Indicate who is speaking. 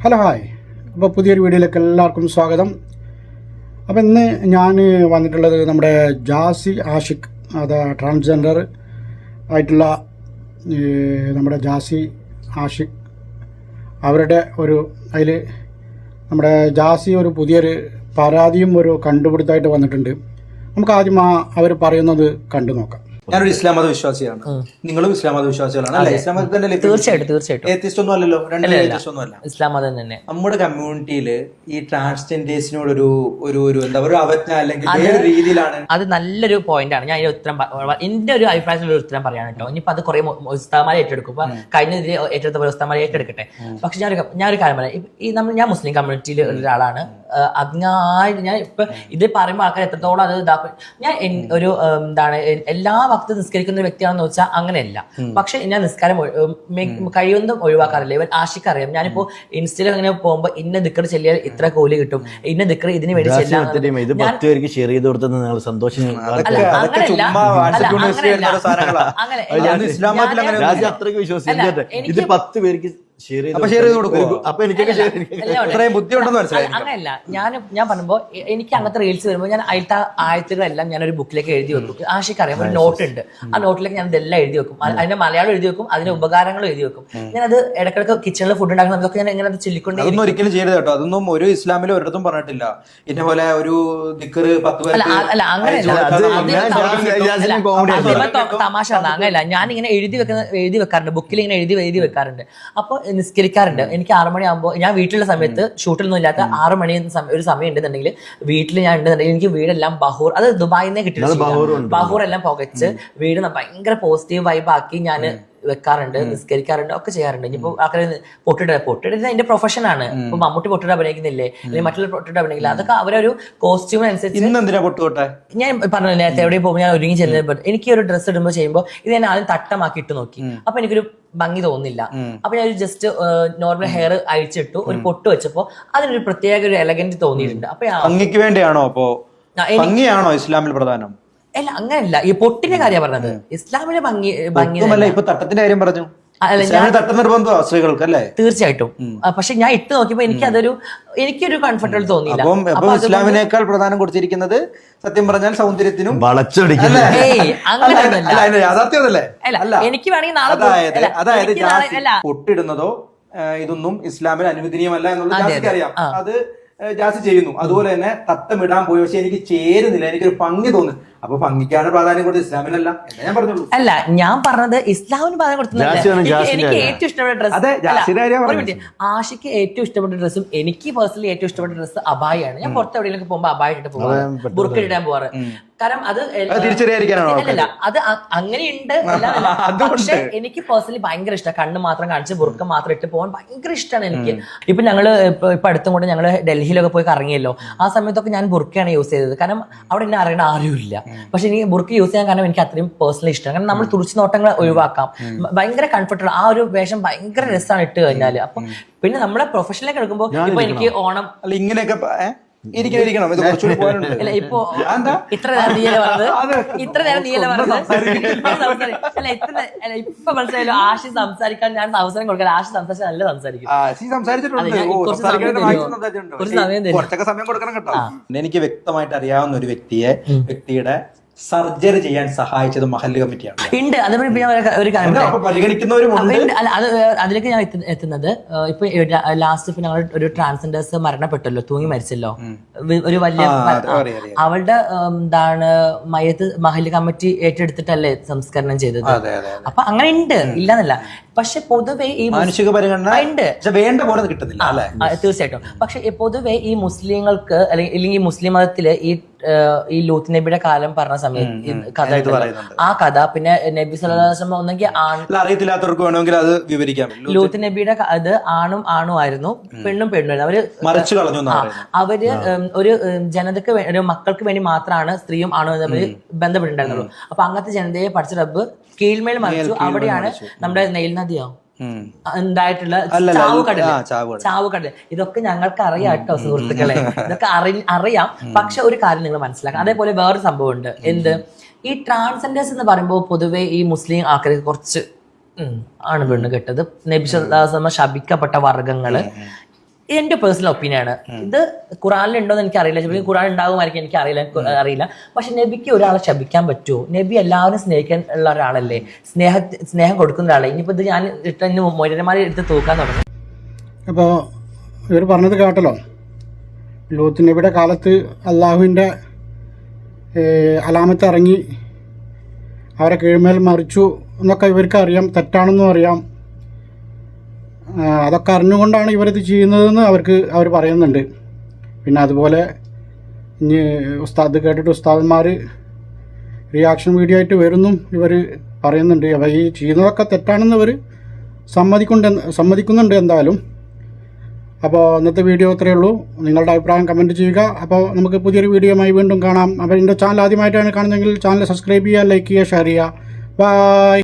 Speaker 1: Hello hi. അപ്പോൾ പുതിയൊരു വീഡിയോയിലേക്ക് എല്ലാവർക്കും സ്വാഗതം. അപ്പോൾ ഇന്ന് ഞാൻ വന്നിട്ടുള്ളത് നമ്മുടെ ജാസി ആഷിഖ്, അത് ട്രാൻസ്ജെൻഡർ ആയിട്ടുള്ള നമ്മുടെ ജാസി ആഷിഖ് അവരുടെ അതിൽ നമ്മുടെ ജാസി ഒരു പുതിയൊരു പരാതിയും ഒരു കണ്ടുപിടുത്തമായിട്ട് വന്നിട്ടുണ്ട്. നമുക്ക് ആദ്യം അവർ പറയുന്നത് കണ്ടു നോക്കാം.
Speaker 2: ഞാനൊരു ഇസ്ലാം മത വിശ്വാസിയാണ്, നിങ്ങളും ഇസ്ലാം മത വിശ്വാസികളാണ് അല്ലേ? ഇസ്ലാം മതത്തിന്റെ
Speaker 3: തീർച്ചയായിട്ടും
Speaker 2: ഏത്തിസ്റ്റ് ഒന്നും അല്ലല്ലോ, രണ്ടല്ല
Speaker 3: ഇസ്ലാം മതം തന്നെ.
Speaker 2: നമ്മുടെ കമ്മ്യൂണിറ്റിയില് ഈ ട്രാൻസ്ജെൻഡേഴ്സിനോട് ഒരു എന്താ പറയുക അവജ്ഞ അല്ലെങ്കിൽ വേറെ രീതിയിലാണ്.
Speaker 3: അത് നല്ലൊരു പോയിന്റ് ആണ്. ഞാൻ അതിന്റെ ഉത്തരം എന്റെ ഒരു അഭിപ്രായത്തിൽ ഒരു ഉത്തരം പറയാൻ കേട്ടോ. ഇനിയിപ്പോ അത് കുറെ ഉസ്താമാരെ ഏറ്റെടുക്കും. ഇപ്പൊ കഴിഞ്ഞ ഏറ്റെടുത്ത പോലെ ഉസ്താമാരെ ഏറ്റെടുക്കട്ടെ. പക്ഷെ ഞാനൊരു കാര്യം പറയാം. ഞാൻ മുസ്ലിം കമ്മ്യൂണിറ്റിയിൽ ഒരാളാണ്. ഞാൻ ഇപ്പൊ ഇത് പറയുമ്പോൾ ആൾക്കാർ എത്രത്തോളം അത് ഇതാക്കും. ഞാൻ ഒരു എന്താണ് എല്ലാ ഭക്തി നിസ്കരിക്കുന്ന ഒരു വ്യക്തിയാണെന്ന് വെച്ചാൽ അങ്ങനെയല്ല. പക്ഷെ ഞാൻ നിസ്കാരം കഴിയുന്നതും ഒഴിവാക്കാറില്ല. ഇവൻ ആഷിക്ക് അറിയാം. ഞാനിപ്പോ ഇൻസ്റ്റയിൽ അങ്ങനെ പോകുമ്പോ ഇന്ന ദിക്കർ ചെല്ലിയാൽ ഇത്ര കൂലി കിട്ടും, ഇന്ന ദിക്കർ ഇതിന് വേണ്ടി ചെല്ലാം. അങ്ങനെയല്ല. ഞാൻ പറയുമ്പോ എനിക്ക് അങ്ങനത്തെ റീൽസ് വരുമ്പോൾ ഞാൻ ആയത്തുകളെല്ലാം ഞാൻ ഒരു ബുക്കിലേക്ക് എഴുതി വെക്കും. ആഷിക്ക് അറിയാം, ഒരു നോട്ട് ഉണ്ട്. ആ നോട്ടിലേക്ക് ഞാൻ ഇതെല്ലാം എഴുതി വെക്കും. അതിന്റെ മലയാളം എഴുതി വെക്കും, അതിന്റെ ഉപകാരങ്ങളും എഴുതി വെക്കും. ഞാനത് ഇടയ്ക്കിടയ്ക്ക് കിച്ചണിൽ ഫുഡ് ഉണ്ടാക്കുന്നതൊക്കെ ഞാൻ ഇങ്ങനെ ചൊല്ലിക്കൊണ്ട്.
Speaker 2: അതൊന്നും ഒരിക്കലും ചെയ്യരുത് കേട്ടോ. അതൊന്നും ഒരു ഇസ്ലാമിലും ഒരിടത്തും പറഞ്ഞിട്ടില്ല. ഇന്ന പോലെ ഒരു ദിക്കറ് 10
Speaker 3: അല്ല അങ്ങനെയല്ല. തമാശ അങ്ങനെയല്ല. ഞാൻ ഇങ്ങനെ എഴുതി വെക്കാറുണ്ട്, ബുക്കിൽ ഇങ്ങനെ എഴുതി വെക്കാറുണ്ട്. അപ്പൊ നിസ്കരിക്കാറുണ്ട്. എനിക്ക് 6 മണിയാകുമ്പോൾ ഞാൻ വീട്ടിലുള്ള സമയത്ത് ഷൂട്ടിലൊന്നും ഇല്ലാത്ത 6 മണി ഒരു സമയം ഉണ്ടെന്നുണ്ടെങ്കിൽ വീട്ടിൽ ഞാൻ ഉണ്ടെന്നുണ്ടെങ്കിൽ എനിക്ക് വീടെല്ലാം ബഹൂർ, അത് ദുബായിൽ നിന്നേ കിട്ടിയിട്ടുണ്ട്. ബഹൂർ എല്ലാം പുകച്ച് വീട് ഭയങ്കര പോസിറ്റീവ് വൈബ് ആക്കി ഞാൻ വെക്കാറുണ്ട്, നിസ്കരിക്കാറുണ്ട്, ഒക്കെ ചെയ്യാറുണ്ട്. ഇനിയിപ്പോ ആൾക്കാർ പൊട്ടിട്ട് എന്റെ പ്രൊഫഷനാണ്. ഇപ്പൊ മമ്മൂട്ടി പൊട്ടിട്ട് അഭിനയിക്കുന്നില്ലേ, അല്ലെങ്കിൽ മറ്റുള്ള പൊട്ടിട്ട് അഭിനയിക്കില്ല, അതൊക്കെ അവരൊരു കോസ്റ്റ്യൂമിനനുസരിച്ച്. ഞാൻ പറഞ്ഞില്ല നേരത്തെ എവിടെ പോകുമ്പോൾ ഞാൻ ഒരുങ്ങി ചെല്ലുമ്പോൾ എനിക്ക് ഒരു ഡ്രസ്സ് ഇടുമ്പോൾ ചെയ്യുമ്പോൾ ഇത് ഞാൻ ആദ്യം തട്ടമാക്കി ഇട്ട് നോക്കി. അപ്പൊ എനിക്കൊരു ഭംഗി തോന്നില്ല. അപ്പൊ ഞാൻ ഒരു ജസ്റ്റ് നോർമൽ ഹെയർ അഴിച്ചിട്ടു, ഒരു പൊട്ട് വെച്ചപ്പോ അതിനൊരു പ്രത്യേക ഒരു എലഗന്റ് തോന്നിയിട്ടുണ്ട്. അപ്പൊ
Speaker 2: ഭംഗിക്ക് വേണ്ടിയാണോ അപ്പോ ഭംഗിയാണോ ഇസ്ലാമിൽ പ്രധാനം?
Speaker 3: അല്ല അങ്ങനെയല്ല, ഈ പൊട്ടിന്റെ കാര്യം പറഞ്ഞത്. ഇസ്ലാമിലെ ഭംഗി
Speaker 2: ഇപ്പൊ തട്ടത്തിന്റെ കാര്യം പറഞ്ഞു. സ്ത്രീകൾക്ക് അല്ലേ?
Speaker 3: തീർച്ചയായിട്ടും. പക്ഷെ ഞാൻ ഇട്ട് നോക്കിയപ്പോ എനിക്കൊരു കംഫർട്ടബിൾ തോന്നിയില്ല.
Speaker 2: ഇസ്ലാമിനേക്കാൾ പ്രധാനം കൊടുത്തിരിക്കുന്നത് സത്യം പറഞ്ഞാൽ സൗന്ദര്യത്തിനും യാഥാർത്ഥ്യമല്ലേ?
Speaker 3: എനിക്ക് വേണമെങ്കിൽ
Speaker 2: അതായത് പൊട്ടിടുന്നതോ ഇതൊന്നും ഇസ്ലാമിൽ അനുവദനീയമല്ല എന്നുള്ളത് അറിയാം. അത് ജാസി ചെയ്യുന്നു. അതുപോലെ തന്നെ തട്ടമിടാൻ പോയി, പക്ഷെ എനിക്ക് ചേരുന്നില്ല, എനിക്കൊരു ഭംഗി തോന്നുന്നു. അപ്പൊ ഭംഗിക്കാണ് പ്രാധാന്യം കൊടുത്തത്, ഇസ്ലാമിനല്ല എന്ന് ഞാൻ പറഞ്ഞുള്ളൂ.
Speaker 3: അല്ല, ഞാൻ പറഞ്ഞത് ഇസ്ലാമിന് പ്രാധാന്യം കൊടുത്തില്ല. എനിക്ക് ഏറ്റവും ഇഷ്ടപ്പെട്ട ഡ്രസ്സ് ആഷിക്ക് ഏറ്റവും ഇഷ്ടപ്പെട്ട ഡ്രസ്സും എനിക്ക് പേഴ്സണലി ഏറ്റവും ഇഷ്ടപ്പെട്ട ഡ്രസ്സ് അബായാണ്. ഞാൻ പുറത്ത് എവിടെയെങ്കിലും പോകുമ്പോൾ അബായ ഇട്ട് പോകാറ്, ബുർക്ക ഇടാൻ പോവാറ്. കാരണം അത് അല്ലല്ല, അത് അങ്ങനെയുണ്ട്. പക്ഷെ എനിക്ക് പേഴ്സണലി ഭയങ്കര ഇഷ്ടമാണ്. കണ്ണ് മാത്രം കാണിച്ച് ബുർക്ക മാത്രം ഇട്ട് പോകാൻ ഭയങ്കര ഇഷ്ടമാണ് എനിക്ക്. ഇപ്പൊ ഞങ്ങള് ഇപ്പൊ അടുത്തും കൂടെ ഞങ്ങള് ഡൽഹിയിലൊക്കെ പോയി കറങ്ങിയല്ലോ, ആ സമയത്തൊക്കെ ഞാൻ ബുർക്കയാണ് യൂസ് ചെയ്തത്. കാരണം അവിടെ എന്നെ അറിയണ ആരുമില്ല. പക്ഷെ എനിക്ക് ബുർക്ക യൂസ് ചെയ്യാൻ കാരണം എനിക്ക് അത്രയും പേഴ്സണലി ഇഷ്ടമാണ്. കാരണം നമ്മൾ തുറച്ചു നോട്ടങ്ങൾ ഒഴിവാക്കാം, ഭയങ്കര കംഫർട്ടബിൾ. ആ ഒരു വേഷം ഭയങ്കര രസമാണ് ഇട്ട് കഴിഞ്ഞാല്. അപ്പൊ പിന്നെ നമ്മളെ പ്രൊഫഷനിലേക്ക് എടുക്കുമ്പോൾ ഇപ്പൊ എനിക്ക് ഓണം
Speaker 2: ഇങ്ങനെയൊക്കെ
Speaker 3: ഇപ്പൊ ഇത്ര നേരം നീയല്ലേ പറഞ്ഞത്. അല്ല ഇപ്പൊ മനസ്സിലായല്ലോ. ആഷി സംസാരിക്കാൻ ഞാൻ അവസരം കൊടുക്കാൻ. ആഷി സംസാരിച്ചാൽ നല്ല സംസാരിക്കും.
Speaker 2: എനിക്ക് വ്യക്തമായിട്ട് അറിയാവുന്ന ഒരു വ്യക്തിയുടെ സർജറി ചെയ്യാൻ സഹായിച്ചത് മഹല്ല് കമ്മിറ്റിയാണ്.
Speaker 3: ഉണ്ട്. അതേപോലെ ഒരു കാര്യം അതിലേക്ക് ഞാൻ എത്തുന്നത്, ഇപ്പൊ ലാസ്റ്റ് ഇപ്പൊ ഞങ്ങൾ ഒരു ട്രാൻസ്ജെൻഡേഴ്സ് മരണപ്പെട്ടല്ലോ, തൂങ്ങി മരിച്ചല്ലോ, ഒരു വലിയ അവളുടെ എന്താണ് മയ്യത്ത് മഹല്ല് കമ്മിറ്റി ഏറ്റെടുത്തിട്ടല്ലേ സംസ്കരണം ചെയ്തത്. അപ്പൊ അങ്ങനെ ഉണ്ട്, ഇല്ലെന്നല്ല. പക്ഷെ പൊതുവെ ഈ
Speaker 2: മാനുഷിക പരിഗണന ഉണ്ട്, വേണ്ട പോലെ കിട്ടുന്നില്ല.
Speaker 3: തീർച്ചയായിട്ടും. പക്ഷെ പൊതുവെ ഈ മുസ്ലിങ്ങൾക്ക് അല്ലെങ്കിൽ മുസ്ലിം മതത്തില് ഈ ലൂത്ത് നബിയുടെ കാലം പറഞ്ഞ സമയത്ത് കഥ, ആ കഥ പിന്നെ നബി സല്ലല്ലാഹു അലൈഹി വസല്ലം ഒന്നെങ്കിൽ
Speaker 2: അറിയത്തില്ലാത്തവർക്ക് വേണമെങ്കിൽ അത് വിവരിക്കാം.
Speaker 3: ലൂത്ത് നബിയുടെ അത് ആണും ആയിരുന്നു, പെണ്ണും പെണ്ണുമായിരുന്നു. അവര് ഒരു ജനതക്ക് ഒരു മക്കൾക്ക് വേണ്ടി മാത്രമാണ് സ്ത്രീയും ആണും തമ്മിൽ ബന്ധപ്പെട്ടിട്ടുണ്ടായിരുന്നുള്ളൂ. അപ്പൊ അങ്ങനത്തെ ജനതയെ പഠിച്ച റബ്ബ് കീഴ്മേൽ മറിച്ചു. അവിടെയാണ് നമ്മുടെ നെയിൽ നദിയോ ഉണ്ടായിട്ടുള്ള ചാവുകടൽ. ഇതൊക്കെ ഞങ്ങൾക്ക് അറിയാം കേട്ടോ സുഹൃത്തുക്കളെ, ഇതൊക്കെ അറിയാം. പക്ഷെ ഒരു കാര്യം നിങ്ങൾ മനസ്സിലാക്കാം. അതേപോലെ വേറൊരു സംഭവം ഉണ്ട്. എന്ത്, ഈ ട്രാൻസ്ജെൻഡേഴ്സ് എന്ന് പറയുമ്പോൾ പൊതുവെ ഈ മുസ്ലിം ആൾക്കാർക്ക് കുറച്ച് ആണ് പെണ്ണ് കെട്ടത്. നബി സല്ലല്ലാഹു അലൈഹി വസല്ലം ശപിക്കപ്പെട്ട വർഗ്ഗങ്ങള് എന്റെ പേഴ്സണൽ ഒപ്പീനിയനാണ്. ഇത് ഖുറാനിലുണ്ടോ എന്ന് എനിക്ക് അറിയില്ല, ചിലപ്പോൾ ഖുറാൻ ഉണ്ടാകുമായിരിക്കും, എനിക്ക് അറിയില്ല. പക്ഷെ നബിക്ക് ഒരാളെ ശപിക്കാൻ പറ്റുമോ? നബി എല്ലാവരും സ്നേഹിക്കാൻ ഉള്ള ഒരാളല്ലേ, സ്നേഹം കൊടുക്കുന്ന ഒരാളെ. ഇനിയിപ്പോൾ ഇത് ഞാൻ മൊരന്മാരെ എടുത്ത് തൂക്കാൻ തുടങ്ങും.
Speaker 1: അപ്പോൾ ഇവർ പറഞ്ഞത് കേട്ടല്ലോ, ലൂത്ത് നബിയുടെ കാലത്ത് അള്ളാഹുവിൻ്റെ അലാമത്ത് ഇറങ്ങി അവരെ കീഴ്മേൽ മറിച്ചു എന്നൊക്കെ ഇവർക്ക് അറിയാം, തെറ്റാണെന്നും അറിയാം. അതൊക്കെ അറിഞ്ഞുകൊണ്ടാണ് ഇവരിത് ചെയ്യുന്നതെന്ന് അവർ പറയുന്നുണ്ട്. പിന്നെ അതുപോലെ ഇനി ഉസ്താദ് കേട്ടിട്ട് ഉസ്താദന്മാർ റിയാക്ഷൻ വീഡിയോ ആയിട്ട് വരുന്നും ഇവർ പറയുന്നുണ്ട്. അപ്പോൾ ഈ ചെയ്യുന്നതൊക്കെ തെറ്റാണെന്ന് ഇവർ സമ്മതിക്കുന്നുണ്ട് എന്തായാലും. അപ്പോൾ ഇന്നത്തെ വീഡിയോ ഇത്രയേ ഉള്ളൂ. നിങ്ങളുടെ അഭിപ്രായം കമൻറ്റ് ചെയ്യുക. അപ്പോൾ നമുക്ക് പുതിയൊരു വീഡിയോയുമായി വീണ്ടും കാണാം. അപ്പോൾ എൻ്റെ ചാനൽ ആദ്യമായിട്ടാണ് കാണുന്നതെങ്കിൽ ചാനൽ സബ്സ്ക്രൈബ് ചെയ്യുക, ലൈക്ക് ചെയ്യുക, ഷെയർ ചെയ്യുക. ബൈ.